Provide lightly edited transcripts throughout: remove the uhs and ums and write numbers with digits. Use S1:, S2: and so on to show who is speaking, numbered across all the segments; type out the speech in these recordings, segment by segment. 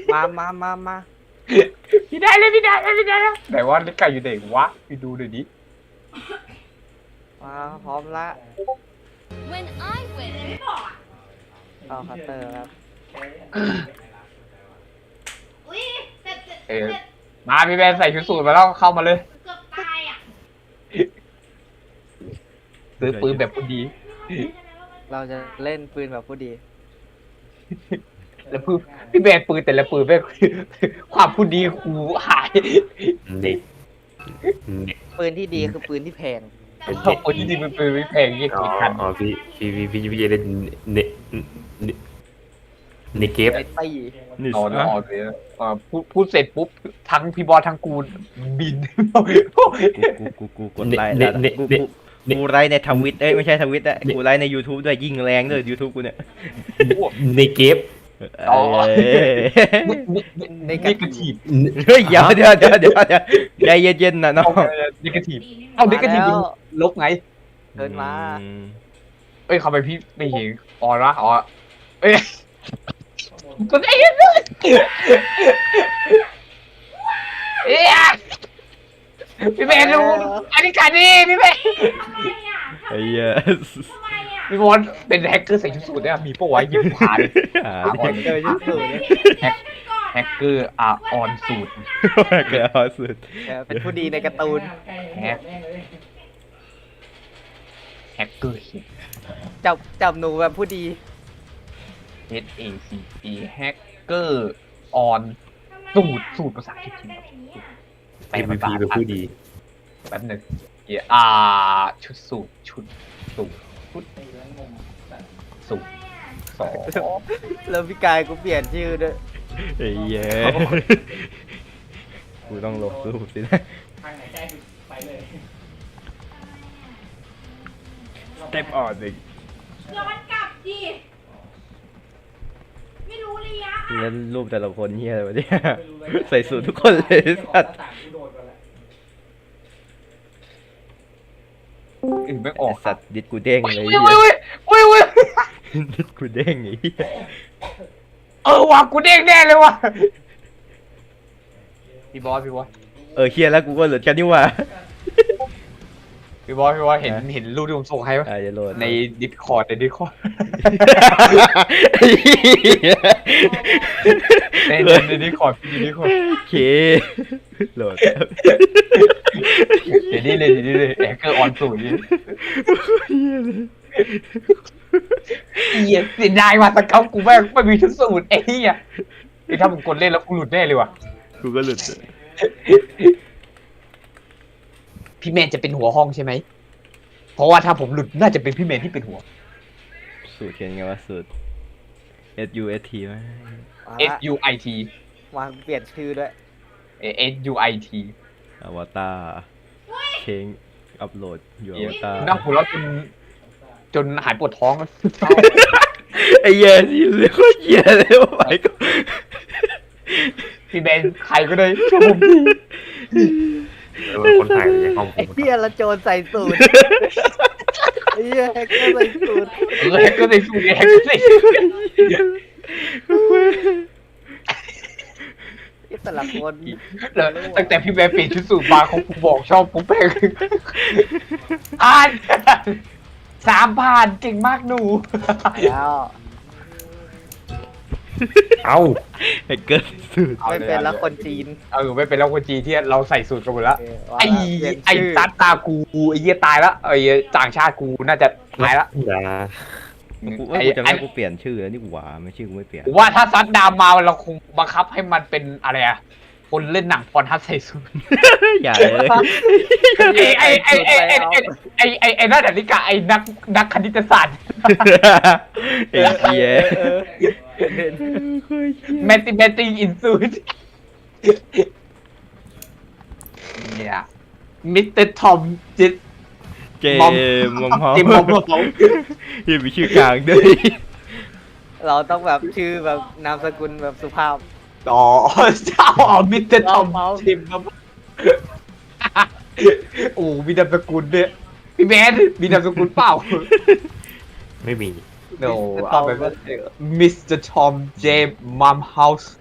S1: มา
S2: พี่ได้เลยไหนว่าลิกาอยู่ไหนวะไปดูหน่อยดิ
S1: มาพร้อมละ
S3: When I win,
S1: เอาคัตเตอร์ครับ
S4: อุ้ยเสร็จ
S2: มาพี่แบนใส่ชุดสูทมาแล้วเข้ามาเลย
S4: เกือบตายอ่ะ
S2: ซื้อปืนแบบพอดี
S1: เราจะเล่นปืนแบบผู้ดี
S2: แล้วพี่แบนปืนแต่ละปืนแม่งความพูดดีกูหาย
S5: เด็กเด็ก
S1: ปืนที่ดีคือปืนที่แพง
S2: ชอบปืนที่ดีเป็นปืนไม่แพงยี่
S5: อ๋
S2: สิบคัน
S5: อพี่จะเล่นเนเกฟ
S1: ไอ้ตี้
S2: เอาเนาะเอาเลยพูดเสร็จปุ๊บทั้งพี่บอสทั้งกูบิน
S6: กูกดไลค์แล้วกูไลค์ในทวิตไม่ใช่ทวิตอะกูไลค์ใน YouTube ด้วยยิ่งแรงด้วย YouTube กูเนี่ย
S5: เนเกฟ
S2: อ๋อ
S1: ใน
S2: นิกาทีฟ
S6: เฮ้ยเดี๋ยวใจเย็นๆนะน้อง
S2: นิกาทีฟเอานิกาทีฟลบไง
S1: เดินมา
S2: เอ้ยเข้าไปพี่ไม่เห็นอ๋อละอ๋อเอ้ยก็ได้ยินเลยเอ้ยพี่แมนรู้อันนี้การดีพี่แมน
S6: ไอ้เหี้ย
S2: พี่บอลเป็นแฮกเกอร์ใส่ชุดสูทเนี่ยมีปะวะยิงผ่าน
S1: เจอชุดสูท
S2: แฮกเกอร์ออนสูตร
S6: เกิดเอาสุด
S1: เป็นผู้ดีในการ์ตูน
S2: แฮกเกอร์ฮิต
S1: จับหนูแบบผู้ดี
S2: HACE แฮกเกอร์ออนสูตรภาษาอังกฤษจริง
S5: MVP เป็นผู้ดี
S2: แป๊บหนึงชุดสูตรชุดสูตรสอง
S1: แล้วพี่กายกูเปลี่ยนชื่อด้วย
S6: ไอ้เหี้ยกูต้องลบรูปสินะสเต็ปออนอีก
S4: ย้อนกลับดิไม่รู้ระยะ
S6: แล้วรูปแต่ละคนเหี้ยอะไรวะเนี่ยใส่สูททุกคนเลยสัตว์
S2: ไม่ออก
S6: สัตว์ดิดกูเด้งเลย
S2: อุ้ย
S6: เหี้ย
S2: อุ้ย
S6: ดิดกูเด้งไอ้เหี้ย
S2: ว่ะกูเด้งแน่เลยว่ะพี่บอส
S6: เฮียแล้วกูก็เหลือกันนี่หว่า
S2: พี่บอสเห็นรูปที่ผมส่งให้ปะ
S6: จะโหลด
S2: ในดิสคอร์ดใน
S6: ไอ้เหี้ย
S2: ในดิสคอร์ด
S6: โอเคโหลด
S2: เดี๋ยวนี้เลยแฮกเกอร์ออนสูตรนี่เหี้ยเสียดายว่ะตะเกากูไม่มีชุดสูตรไอ้เหี้ยถ้าผมกดเล่นแล้วกูหลุดแน่เลยว่ะ
S6: กูก็หลุด
S2: พี่แมนจะเป็นหัวห้องใช่ไหมเพราะว่าถ้าผมหลุดน่าจะเป็นพี่แมนที่เป็นหัว
S6: สูตรเขียนไงวะสูตร SUST ไหม
S2: SUIT
S1: วางเปลี่ยนชื่อด้วย
S2: SUIT
S6: อวตารเพลงอัพโหลดอยู่อวตาร
S2: นั่งหัวเราะจนหายปวดท้อง
S6: ไอ้เหี้ยที่เรียกว่าเหี้ยเลยว่าไปก็
S2: พี่แมนใครก็ได้ช่วยผมที
S5: คนถ่ายในห้องผ
S1: ไอ้
S5: ม
S1: เหี้ยละโจรใส่สูทไอ้เหี้ยแฮกเกอร์ใส่สูท
S2: แฮกเกอร์ในสูตรแฮกเกอร์ในสูตร
S1: ไอ้แต่ละคน
S2: แล้วตั้งแต่พี่แมนเปลี่ยนชุดสูทมาของกูบอกชอบผมแพง3,000เก่งมากหนู
S1: แล้ว
S5: เอ้า
S6: ไอ้เกิดสูตร
S1: ไม่เป็นละคนจีน
S2: ไม่เป็นแล้วคนจีนที่เราใส่สูตรกันหมดแล้ว
S1: ว่า
S2: ไอ้
S1: เปลี่ยน
S2: ไอ้
S1: ชื่อ
S2: ตากูไอ้เหี้ยตายแล้วไอ้ต่างชาติกูน่าจะตายแล้ว
S5: อย่า
S6: กูว่ากูจะให้กูเปลี่ยนชื่อแล้วนี่หว่าไม่ชื่อกูไม่เปลี่ยน
S2: ผมว่าถ้าซัดดามมาเราคงบังคับให้มันเป็นอะไรอะคนเล่นหนังพรทัศน์ใส่สูท
S6: อย่าเลย
S2: ไอ้นักนาฬิกาไอ้นักคณิตศาสตร์
S6: ไอ้เหี้ย
S2: mathematics in suit เนี่ยมิสเตอร์ทอมจิต
S6: เจมมอม
S2: จิมมอมเขา
S6: ยังมีชื่อกลางด้วย
S1: เราต้องแบบชื่อแบบนามสกุลแบบสุภาพ
S2: อ๋อเจ้ามิสเตอร์ทอมจิมครับโอ้มีนามสกุลเนี่ยพี่แมนมีนามสกุลเปล่า
S5: ไม่มี
S2: no เอาไปว่ามิสเตอร์ทอมเจมมัมเฮาส์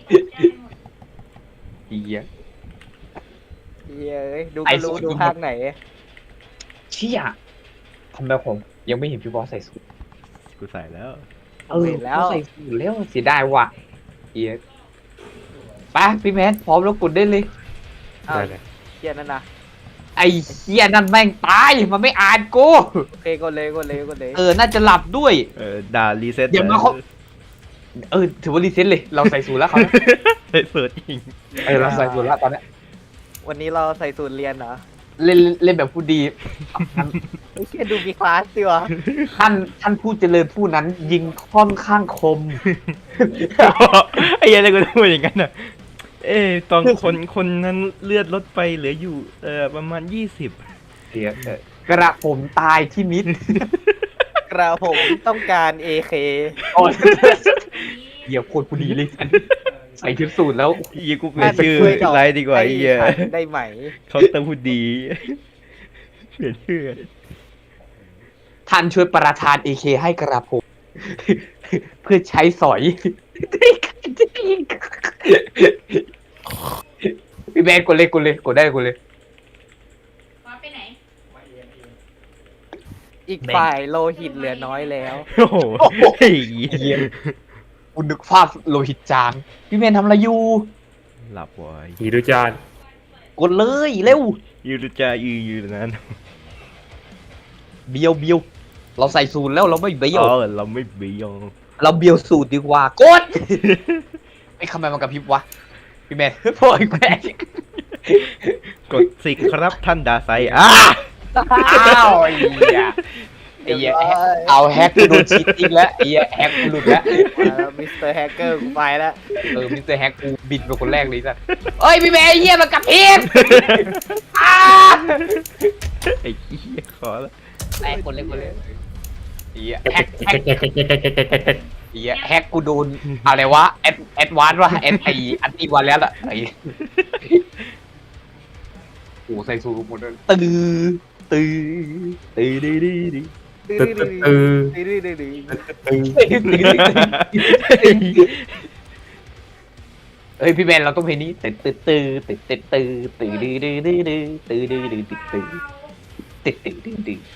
S2: เฮีย
S1: เฮ้ยดูก็รู้ดูภาคไหน
S2: เชี่ยทำไมผมยังไม่เห็นพี่บอสใส่สูท
S6: กูใส่แล้ว
S1: เห็นแล้ว
S2: ใส่สูทแล้วเสียดายว่ะเฮียไปพี่แมนพร้อมแล้วกดได้เลย
S1: อ้าว
S5: ได้เลย
S1: เฮียนั่นนะ
S2: ไอ้เฮียนั่นแม่งตายมันไม่อ่านกู
S1: โอเคกดเลยกดเลยกดเลย
S2: น่าจะหลับด้วย
S6: ด่ารีเซ็ต
S2: เดี๋ยวมาเขา ถือว่ารีเซ็ตเลยเราใส่สูทแล้วเขา
S6: เปิดจริง
S2: เราใส่สูทแล้วตอนเนี้ย
S1: วันนี้เราใส่สูตรเรียนเหรอ
S2: เล่นแบบผู้ดี
S1: ไอ้เฮียดูมีคลาสดิวะ
S2: ท่านผู้เจริญผู้นั้นยิงค่อนข้างคม
S6: ไอ้เหี้ยังไงกูพูดอย่างนั้นน่ะตอนคนนั้นเลือดลดไปเหลืออยู่ประมาณ20
S2: เสียกระผมตายที่มิด
S1: กระผมต้องการAK
S2: โอ้ยเหี้ยโคตรผู้ดีเลยใส่ชุดสูทแล้ว
S6: ยี่กูเปลี่ยนชื่อไลน์ดีกว่าไอ้เหี้ย
S1: ได้ไหม
S6: เขาเติมพูดดีเปลี่ยนชื่อ
S2: ท่านช่วยประทาน AK ให้กระผม เพื่อใช้สอย พี่แมนกดเลยกดได้กดเลย
S4: บอสไปไหน
S1: อีกฝ่ายโลหิตเหลือน้อยแล้ว
S6: โอ้โหไอ้เหี้ย
S2: คุณนึกภาพโลหิตจาง พี่แมนทำอะไรอยู่
S6: หลับไว้
S5: ฮีรุจาน
S2: กดเลยเร็ว
S6: ยูรุจายืนนั้น
S2: เบียวเราใส่สูทแล้วเราไม่เบียว
S6: เราไม่เบียง
S2: เราเบียวสูตรดีกว่ากด ไอ้ทำไมมันกระพริบวะ พี่แมน โอยแก
S6: กดสิครับท่านดาไซ
S2: อ้าวไอ้เหี้ยไอ้เหี้ยเอาแฮกกูโดนชีตติ้งแล้วไอ้เหี้ยแฮกกูหลุดแล้ว
S1: มิสเตอร์แฮกเกอร์กูไปแล้ว
S2: มิสเตอร์แฮกกูบินเป็นคนแรกเลยสัสเอ้ยพี่แมนไอ้เหี้ยมันกระพริบอ้า
S6: ไอ้เหี้ยขอแล้ว
S2: แฮกคนเล่นไอ้เหี้ยแฮกไอ้เหี้ยแฮกกูโดนอะไรวะแอดวานซ์วะอันตีวันแล้วล่ะไอ้โอ้ใส่สูทหมดเลยตื้อ
S5: ตึ๊ดตึ๊ดตึ๊ด
S2: เฮ้ยพี่แมนเราต้องเพลงนี้ตื้อ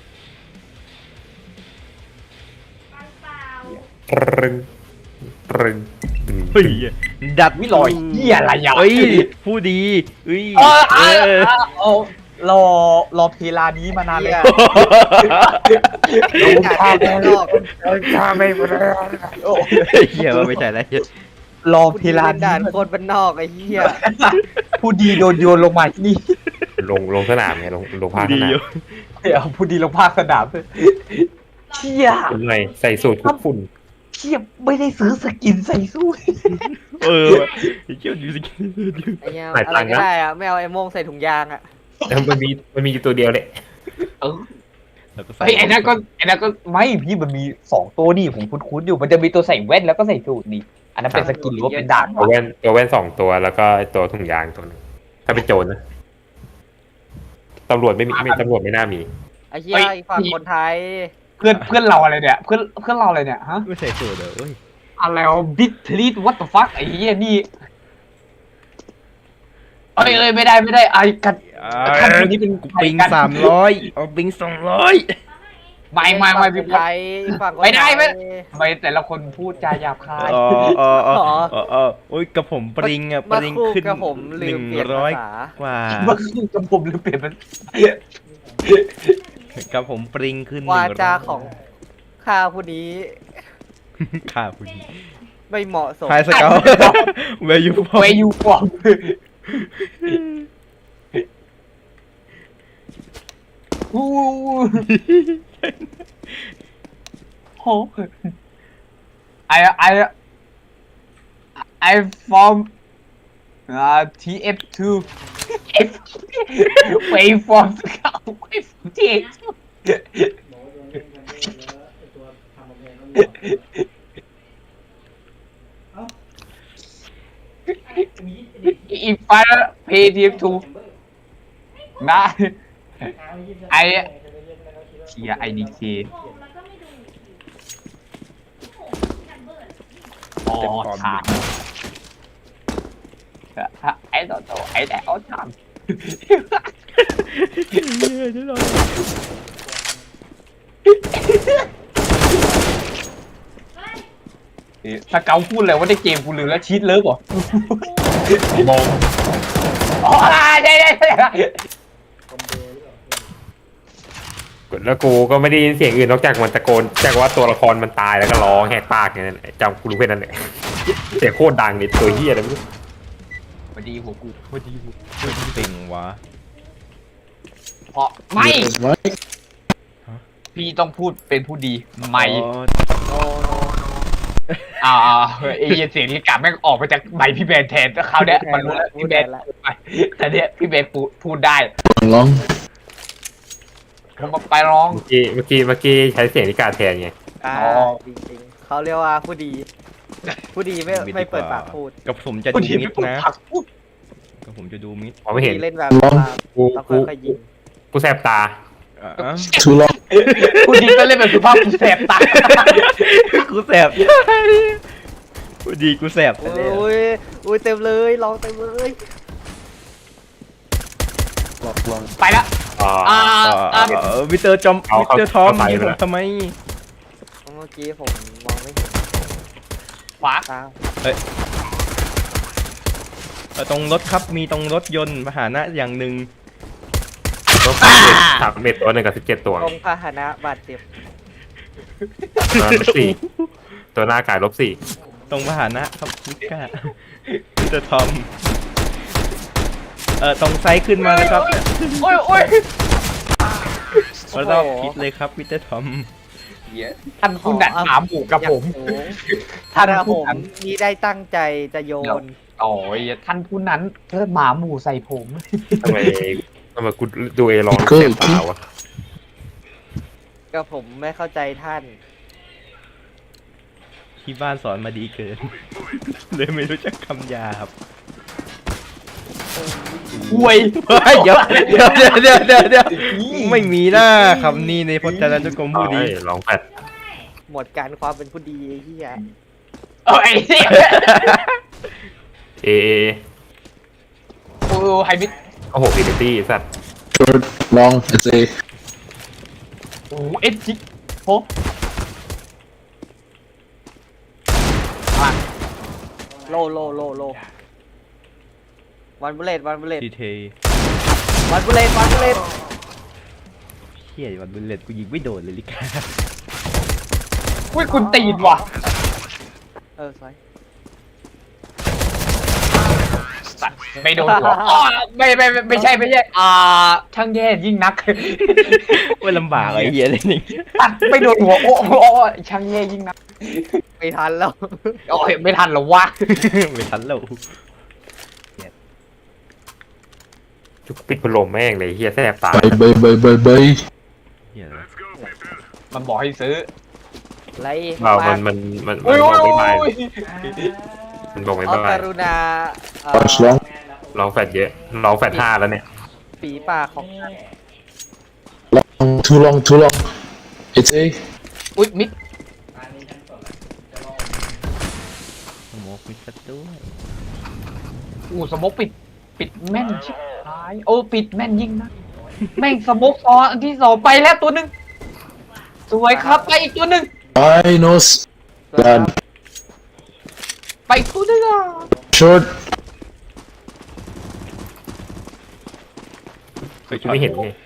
S5: ตรึงตรึง
S6: เฮ้ยดัด
S2: วิลอยเหี้ยอะไรอ่ะ
S6: เฮ้ยผู้ดีเฮ้ย
S2: รอเพลานี้มานานเลย
S1: จากด้านนอก
S5: ข้าไม่พอ
S6: เหี้ยว่าไม่ใช่แล้ว
S2: รอเพลา
S1: ด่า
S2: นี้
S1: นโคตรบ้านนอกไอ้เหี้ย
S2: ผู้ดีโดนโยนลงมาที่นี่
S5: ลงสนามไงลงภาคส
S6: ดี
S5: นาม
S6: อยู่
S2: เดี๋ยวผู้ดีลงภาคสนามเชี่ย
S5: เป็นไงใส่สูตรคุกฝุ่น
S2: เชี่ยไม่ได้ซื้อสกินใส่สู้
S6: เจ้าดูสิ
S1: ไอ้เหี้ยอะไรก็ได้อะไม่เอาไอ้โม่งใส่ถุงยางอะ
S5: มันมีอยู่ตัวเดียวเลย
S6: แล้วก็ใส่
S2: เฮ้ยไอ้นั่นก็ไม่พี่มันมี2ตัวนี่ผมคุ้นๆอยู่มันจะมีตัวใส่แว่นแล้วก็ใส่สูทนี่อันนั้นเป็นสกินหรือว่าเป็นดาบ
S5: ตัวแว่น2ตัวแล้วก็ตัวถุงยางตัวนึงถ้าเป็นโจรนะตำรวจไม่ตำรวจไม่น่ามี
S1: ไอ้เหี้ยอีกฝั่งคนไทย
S2: เพื่อนเราอะไรเนี่ยเพื่อนเราอะไรเนี่ยฮะ
S6: ไม่ใส่สูทเหรอเฮ้ย
S2: อะไรวะบิททรีตวัตถุฟักไอ้เหี้ยนี่เอ้ยไม่ได้ไอ้กันคนนี้เป็น
S6: ปิง300เอาปิง200
S2: ไม่พี่
S1: ไทยฝั่ง
S2: ไม่ได้ไม่แต่ละคนพูดจาหยาบคาย
S6: โอ้ยกระผมปริงอ่ะปริงขึ้น
S1: กับผมลืมเปลี่ยนภาษา
S6: กว่า
S2: เมื่อคืนกับผมหรือเปลี่ยนมัน
S6: กับผมปริงขึ้น
S1: วาจาของข้าผู้นี้
S6: ข่าผู้นี้
S1: ไม่เหมาะสม
S6: ไฮสเกลเวยูฟอ
S2: เวยูฟอร์มอู้โหI from TF2 Wave from Scout Wave from TF2 If I pay TF2 นะไอเชีย IDK อ๋อ
S6: เต็มปอม
S2: ถามไอ้ตัวไอ้แต่เอาถาม ถ้าเกาพูดเลยว่าได้เกมกูลืมแล้วชีตเลิฟเหรอ
S5: มอง
S2: อ๋อได้
S5: แล้วกูก็ไม่ได้ยินเสียงอื่นนอกจากมันตะโกนจากว่าตัวละครมันตายแล้วก็ร้องแหกปากอย่างนั้นจำกูรู้แค่นั้นแหละเสียงโคตรดังเลยตัวเฮียอะไรไม่รู้
S2: พอดีหัวกูพอดีหัว
S6: ติงวะ
S2: เพราะไม่ พี่ต้องพูดเป็นผู้ดีไม่
S6: อ๋อ
S2: เอเยนเสียงนี้กลับแม่งออกมาจากใบพี่แบนแทนเขาวเนี้ยมันรู้แล้วพี่แบนไปแต่เนี้ยพี่แบนพูดได้
S7: ลอง
S2: ผมไปร้อง
S5: เมื่อกี้ใช้เสียงนิกาแทนไง
S1: จริงๆเขาเรียกว่าผู้ดี ผู้ดีไม่เปิดปากพูด
S6: กับผมจะ
S2: ผู้
S6: ดู
S2: ดี
S6: มิ
S2: ไม่
S6: ด
S2: พูด
S6: นะ
S2: ผักพูด
S6: กับผมจะดูมิด
S5: มองไม่เห็น
S1: ผู้ดีเล่นแบบ
S5: กู
S1: ต้อง
S5: กู
S1: ค่อยๆยิง
S5: กูแสบตา
S7: too long
S2: ผู้ดีก็เล่นแบบสุภาพกูแสบตา
S6: กูแสบกูดีกูแสบ
S1: อุ้ยเต็มเลยลองเต็มเลย
S7: long
S2: ไปละ
S6: วิเตอร์จอมวิเตอร์ทอมยิงผมทำไม
S1: เมื่อกี้ผมมองไม่เห็น
S2: ขวา
S1: ตา
S6: ตรงรถครับมีตรงรถยนต์พาหนะอย่างหนึ่ง
S5: ก็สามเม็ดตัวหนึ่งกับ17ตัว
S1: ตรงพาหนะบาดเจ็บ
S5: ตัวนั้น4ตัวหน้ากาย-4
S6: ตรงพาหนะครับมิก้าวิเตอร์ทอมตรงไซส์ขึ้นมาเลยครับ
S2: โอ้ย
S6: ก็รอบคิดเลยครับวิเตอร์ทอม
S2: ท่านผู้นัดหมาหมูกับผม
S1: ถ้า
S2: ท่าน
S1: ผ
S2: ผู้
S1: ม
S2: นั้น
S1: นี่ได้ตั้งใจจะโยน
S2: โอ้ยท่านผู้นั้นเทิดหมาหมูใส่ผม
S5: ทำไมกูดูเอร้องเสียบตาวะ
S1: ก็ผมไม่เข้าใจท่าน
S6: ที่บ้านสอนมาดีเกิน เลยไม่รู้จักคำหยาบ
S2: ห่วย
S6: เดี๋ยวไม่มีหน้าคำนี้ในพจนานุกรมผู้ดี
S5: ร้องแฟด
S1: หมดการความเป็นผู้ดีไอ้เหี้ย
S2: เอ้ย
S5: เอ
S2: โอ้ไฮมิด
S5: โอ้โหฟิลิตี้สัตว์
S7: short long it's a
S2: โอ้เอ็ดจิโห
S1: โลวันบุเลต
S6: ดีเท
S1: วันบุเลต
S6: เฮียวันบุลเลตกูยิงไม่โดนเลยลิกา
S2: อุ้ยคุณตีนว่ะ
S1: สวย
S2: ไม่โดนหัวอ๋อไม่ใช่ช่างแย่ยิ่งนัก
S6: ว่าลำบากไอ้เฮียเลยนี่
S2: ตัดไม่โดนหัวโอ้ช่างแย่ยิ่งนัก
S1: ไม่ทันแล้ว
S2: โอ้ยไม่ทันหรอวะ
S6: ไม่ทันแล้ว
S5: จุกปิดพัดลมแม่งเลยเฮียแสบตา
S7: bye
S6: เฮีย
S2: มันบอกให้ซื้อ
S1: ไร
S5: มัน
S2: โอ้ย
S5: บอกไม่ได้มันบอกไม่
S1: เอา
S5: ได้
S1: กรุณา
S7: punch long
S5: ร้องแฟดเยอะร้องแฟด5แล้วเนี่ย
S1: ฝีปากของ
S7: long too long it's a
S2: อุ้ยมิด
S6: สโมกมิดซะด้วย
S2: สมกปิดแม่นชิบหายโอ้ปิดแม่นยิ่งนะแม่งสมกซ้อนที่2ไปแล้วตัวหนึ่งสวยครับไปอีกตัวหนึ่ง
S7: I nose bad
S2: ไปอีกตัวหนึ่ง
S7: short
S5: กูไม่เห็นไง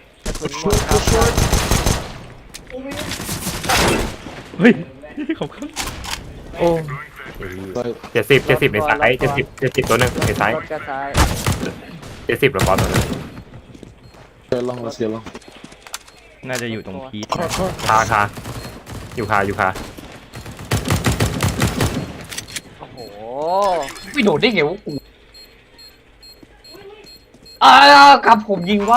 S6: เฮ้ยขอบคุณ
S5: โอ้70ในซ้าย70ตัวหนึงในซ้าย
S1: รถกระซ้าย
S5: 70แล้วบอสตัวนึง
S7: get long let's get long
S6: น่าจะอยู่ตรงพีท
S5: คาอยู่คา
S1: โอ้โห
S2: ไม่โดดได้ไงวะกูครับผมยิงว่าว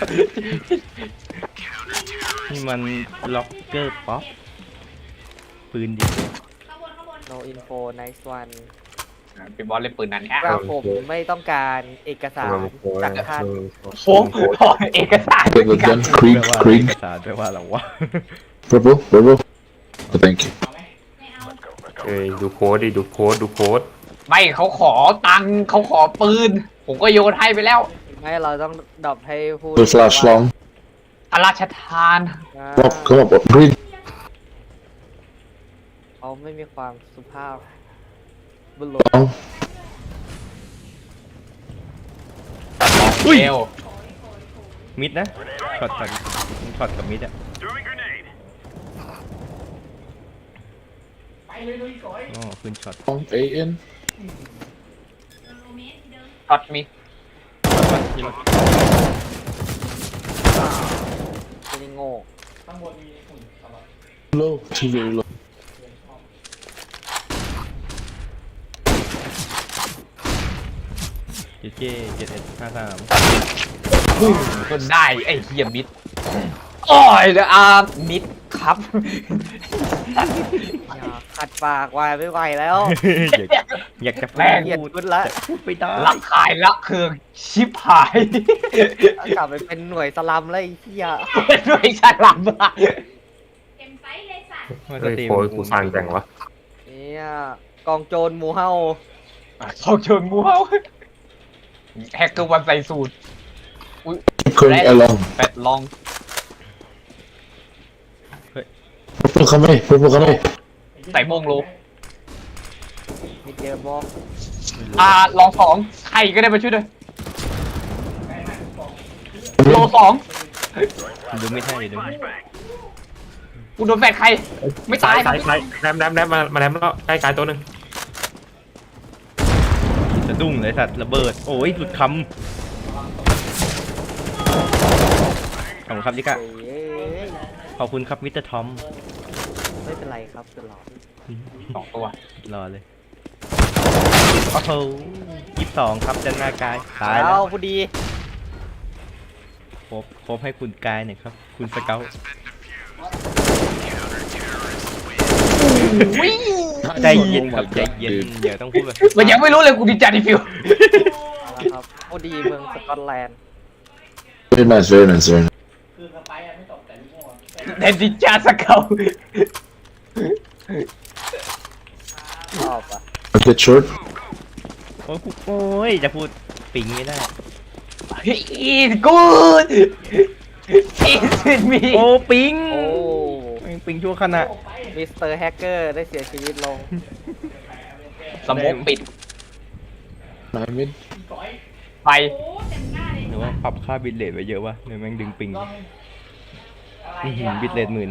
S6: นี่มันล็อกเกอร์ป๊อปปืนดี
S1: no info nice one
S2: เป็นบอลเล่นปืนนั้น
S1: กระผมไม่ต้องการเอกสารจากท่าน
S2: โอ้เอกสาร
S7: get the gun Krieg
S6: แปลว่า
S7: Krieg
S6: เอกสารแปลว่าอะไรวะ
S7: purple oh, thank you
S5: เอ้ยดูโค้ดดิดูโค้ดดูโค้ด
S2: ไม่เขาขอตังค์เขาขอปืน ผมก็โยนให้ไปแล้ว
S1: ไม่เราต้องดรอปให้ผู้
S7: The flash long.
S2: พระราชทาน
S1: อ่า
S7: Come up. Green.
S1: เขาไม่มีความสุภาพบุรุษ
S7: Long.
S6: อุ้ย
S2: เอว
S6: มิดนะช็อตกับมิดอะอ๋อขึ้นช็อต
S7: Long. A in.
S2: ช็อตมี
S1: เป็นโง่
S7: Low. Too very low.
S6: เจเจ7153
S2: จนได้ไอ้เฮียมิดโอ้ยเดี๋ยวมิดครับ
S1: อย่าขัดปากวายไม่ไหวแล้ว
S6: อยากจะ
S2: แม่ง
S1: เกลียดคุณละ
S6: พูดไปได้
S2: ละขายละเคืองชิบหาย
S1: กลับไปเป็นหน่วยสลัมแล้วไอ้เหี้ย
S2: ด้วยฉลามอะ
S4: เต็มไซส์เลยสัตว์
S6: ว่า
S5: เฮ้ย
S6: สตรีม
S5: โค้ดกูฟังจังวะ
S1: เนี่ยกองโจรหมูเฮา
S2: เขาเชิงมูเฮาแฮกเกอร์วันใส่สูตร
S7: Going along.
S2: แปดลอง
S7: Purple come here. Purple come here.
S2: ใส่โมงโล
S1: มีเจอบอก
S2: ลองสองใครก็ได้มาช่วยด้วยโลสอง
S6: ดูไม่ใช่เลยดู
S2: กูโดนแฟนใคร ไม่ตาย
S5: ซ้ายแรมมาแรมแล้วใกล้กายตัวหนึ่ง
S6: สะดุ้งเลยสัตว์ระเบิดโอ้ยหลุดคำขอบคุณครับลิกะ
S1: เอ้ย
S6: ขอบคุณครับมิสเตอร์ทอม
S1: ไม่เป็นไรครับตลอด
S2: สองตัว
S6: รอเลยโอ้โห22ครับด้านหน้ากายตาย
S1: แล้
S6: แล้ว ว
S1: พอดี
S6: ครบให้คุณกายหน่อยครับ คุณสเกลใจเย็นครับใจเย็นอย่าต้องพูดแบบ
S2: มันยังไม่รู้เลยกูดีใจดิฟิว
S1: ครับพอดีเมืองสกอตแลนด์
S7: Very nice. Very nice. Very nice.
S2: เดนดิจาสเกล
S1: ชอบอ่ะ
S7: Get short.
S6: โอ้ยจะพูดปิงไม่ได้
S2: อีสกูดอีสมี
S6: โอ้ปิง
S1: โอ้
S6: ปิงชั่วขณะ
S1: มิสเตอร์แฮกเกอร์ได้เสียชีวิตลง
S2: สมองปิด
S7: Nine mid.
S2: ไป
S6: หรือว่าปรับค่าบิตเรทไว้เยอะวะเนี่ยแม่งดึงปิงบิตเรท10,000